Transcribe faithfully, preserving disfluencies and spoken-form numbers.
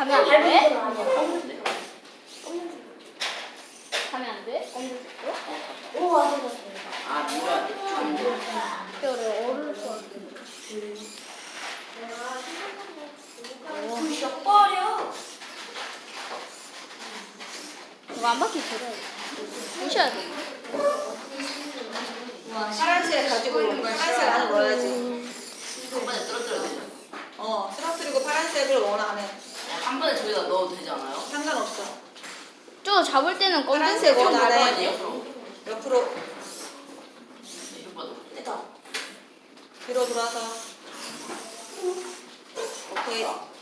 가면 안 돼? 가면 안 돼? 검정색도? 오, 맞아, 맞아. 아, 누가 뼈를 오를 수 부셔버려. 이거 안 바퀴 들어야 돼. 부셔야 돼. 파란색 가지고 파란색 안에 넣어야지. 한 번에 떨어뜨려야 되죠? 어, 쓰러뜨리고 파란색을 원하는. 한 번에 저기다 넣어도 되지 않아요? 상관없어. 저 잡을 때는 파란색 검정색 원 원 안에 아니에요, 그럼? 옆으로 이거 봐도. 뒤로 돌아서. 오케이.